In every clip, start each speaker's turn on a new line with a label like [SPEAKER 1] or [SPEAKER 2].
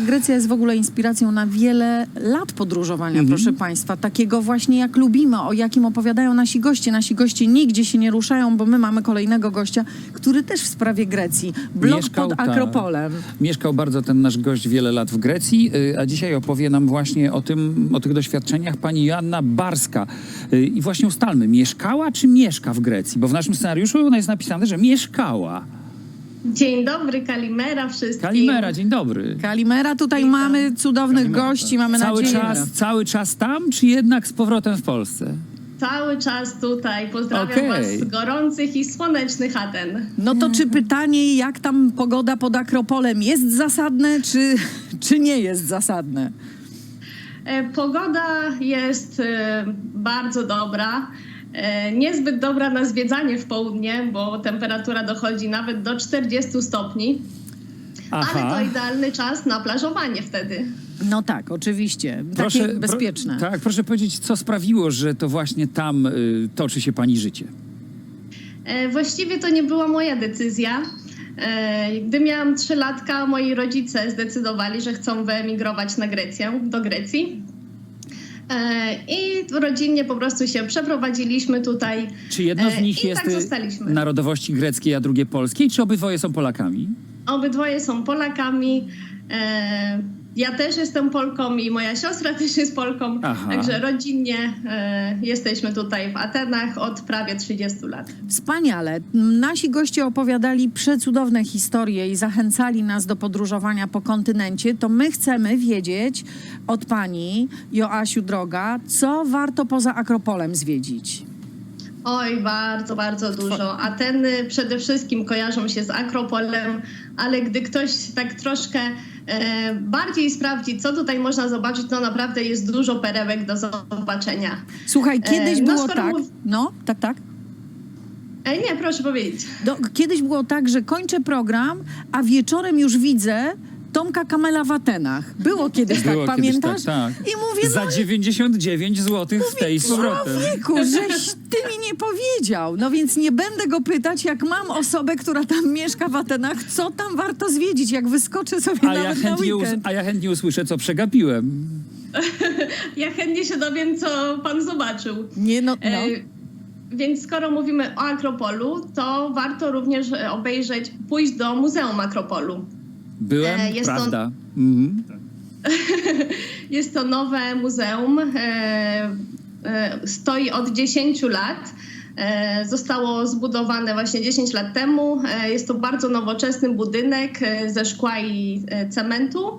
[SPEAKER 1] Grecja jest w ogóle inspiracją na wiele lat podróżowania, proszę Państwa. Takiego właśnie jak lubimy, o jakim opowiadają nasi goście. Nasi goście nigdzie się nie ruszają, bo my mamy kolejnego gościa, który też w sprawie Grecji. Blok pod Akropolem.
[SPEAKER 2] Mieszkał bardzo ten nasz gość wiele lat w Grecji, a dzisiaj opowie nam właśnie o tych doświadczeniach pani Joanna Barska. I właśnie ustalmy, mieszkała czy mieszka w Grecji? Bo w naszym scenariuszu jest napisane, że mieszkała.
[SPEAKER 3] Dzień dobry, kalimera wszystkim.
[SPEAKER 2] Kalimera, dzień dobry.
[SPEAKER 1] Kalimera, tutaj mamy cudownych gości, mamy nadzieję.
[SPEAKER 2] Cały czas tam, czy jednak z powrotem w Polsce?
[SPEAKER 3] Cały czas tutaj. Pozdrawiam was z gorących i słonecznych Aten.
[SPEAKER 1] No to czy pytanie, jak tam pogoda pod Akropolem jest zasadne, czy nie jest zasadne?
[SPEAKER 3] Pogoda jest bardzo dobra. Niezbyt dobra na zwiedzanie w południe, bo temperatura dochodzi nawet do 40 stopni.
[SPEAKER 2] Aha.
[SPEAKER 3] Ale to idealny czas na plażowanie wtedy.
[SPEAKER 1] No tak, oczywiście. Takie bezpieczne.
[SPEAKER 2] Tak, proszę powiedzieć, co sprawiło, że to właśnie tam toczy się pani życie?
[SPEAKER 3] Właściwie to nie była moja decyzja. Gdy miałam 3 latka, moi rodzice zdecydowali, że chcą wyemigrować do Grecji. I rodzinnie po prostu się przeprowadziliśmy tutaj.
[SPEAKER 2] Czy jedno z nich jest
[SPEAKER 3] tak
[SPEAKER 2] narodowości greckiej, a drugie polskiej, czy obydwoje są Polakami?
[SPEAKER 3] Obydwoje są Polakami. Ja też jestem Polką i moja siostra też jest Polką. Aha. Także rodzinnie jesteśmy tutaj w Atenach od prawie 30 lat.
[SPEAKER 1] Wspaniale. Nasi goście opowiadali przecudowne historie i zachęcali nas do podróżowania po kontynencie. To my chcemy wiedzieć od pani, Joasiu droga, co warto poza Akropolem zwiedzić?
[SPEAKER 3] Oj, bardzo, bardzo dużo. Ateny przede wszystkim kojarzą się z Akropolem, ale gdy ktoś tak troszkę bardziej sprawdzi, co tutaj można zobaczyć, to naprawdę jest dużo perełek do zobaczenia.
[SPEAKER 1] Słuchaj, kiedyś było tak... No, tak.
[SPEAKER 3] Nie, proszę powiedzieć.
[SPEAKER 1] Kiedyś było tak, że kończę program, a wieczorem już widzę Tomka Kamela w Atenach. Było kiedyś tak, pamiętasz?
[SPEAKER 2] Tak.
[SPEAKER 1] I mówię,
[SPEAKER 2] za 99 zł w tej z powrotem.
[SPEAKER 1] Człowieku, żeś ty mi nie powiedział. No więc nie będę go pytać, jak mam osobę, która tam mieszka w Atenach, co tam warto zwiedzić, jak wyskoczę sobie nawet na weekend.
[SPEAKER 2] A ja chętnie usłyszę, co przegapiłem.
[SPEAKER 3] Ja chętnie się dowiem, co pan zobaczył. Więc skoro mówimy o Akropolu, to warto również pójść do Muzeum Akropolu.
[SPEAKER 2] Byłem, prawda.
[SPEAKER 3] Jest to nowe muzeum. Stoi od 10 lat. Zostało zbudowane właśnie 10 lat temu. Jest to bardzo nowoczesny budynek ze szkła i cementu.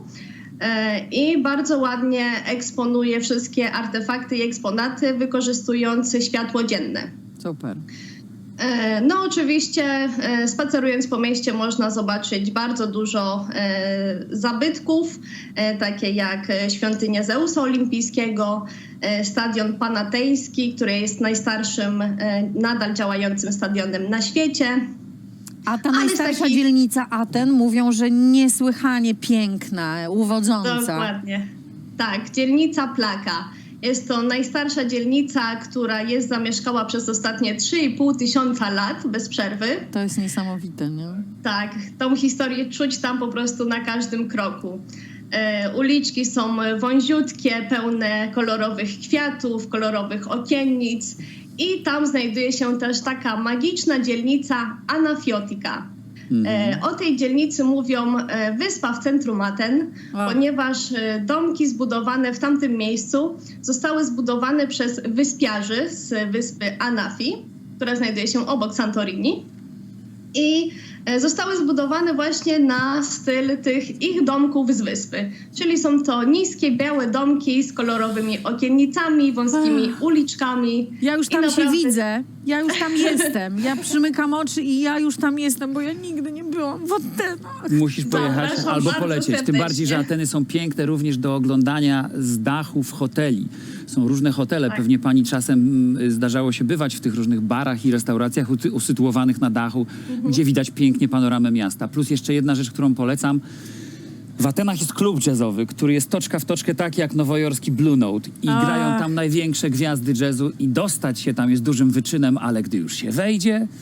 [SPEAKER 3] I bardzo ładnie eksponuje wszystkie artefakty i eksponaty, wykorzystujące światło dzienne.
[SPEAKER 1] Super.
[SPEAKER 3] No oczywiście spacerując po mieście można zobaczyć bardzo dużo zabytków, takie jak świątynia Zeusa Olimpijskiego, stadion Panatejski, który jest najstarszym nadal działającym stadionem na świecie.
[SPEAKER 1] A ta najstarsza dzielnica Aten mówią, że niesłychanie piękna, uwodząca.
[SPEAKER 3] Dokładnie. Tak, dzielnica Plaka. Jest to najstarsza dzielnica, która jest zamieszkała przez ostatnie 3,5 tysiąca lat bez przerwy.
[SPEAKER 1] To jest niesamowite, nie?
[SPEAKER 3] Tak, tą historię czuć tam po prostu na każdym kroku. Uliczki są wąziutkie, pełne kolorowych kwiatów, kolorowych okiennic i tam znajduje się też taka magiczna dzielnica Anafiotika. O tej dzielnicy mówią wyspa w centrum Aten, ponieważ domki zbudowane w tamtym miejscu zostały zbudowane przez wyspiarzy z wyspy Anafi, która znajduje się obok Santorini. I zostały zbudowane właśnie na styl tych ich domków z wyspy. Czyli są to niskie, białe domki z kolorowymi okiennicami, wąskimi uliczkami.
[SPEAKER 1] Ja już tam się widzę, ja już tam jestem. Ja przymykam oczy i ja już tam jestem, bo ja nigdy nie byłam w Atenach.
[SPEAKER 2] Musisz pojechać albo polecieć. Tym bardziej, że Ateny są piękne również do oglądania z dachów hoteli. Są różne hotele. Tak. Pewnie pani czasem zdarzało się bywać w tych różnych barach i restauracjach usytuowanych na dachu, gdzie widać pięknie panoramę miasta. Plus jeszcze jedna rzecz, którą polecam. W Atenach jest klub jazzowy, który jest toczka w toczkę tak jak nowojorski Blue Note. I grają tam największe gwiazdy jazzu i dostać się tam jest dużym wyczynem, ale gdy już się wejdzie,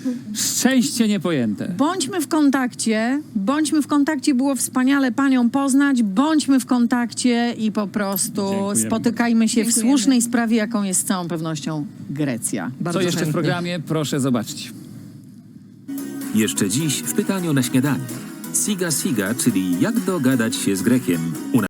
[SPEAKER 2] Szczęście niepojęte.
[SPEAKER 1] Bądźmy w kontakcie, było wspaniale panią poznać, bądźmy w kontakcie i po prostu
[SPEAKER 4] Dziękujemy.
[SPEAKER 1] spotykajmy się w
[SPEAKER 5] Dziękujemy.
[SPEAKER 1] słusznej sprawie, jaką jest z całą pewnością Grecja.
[SPEAKER 5] Bardzo
[SPEAKER 2] Co jeszcze w
[SPEAKER 5] chętnie.
[SPEAKER 2] programie? Proszę zobaczyć.
[SPEAKER 6] Jeszcze dziś w pytaniu na śniadanie. Siga siga, czyli jak dogadać się z Grekiem.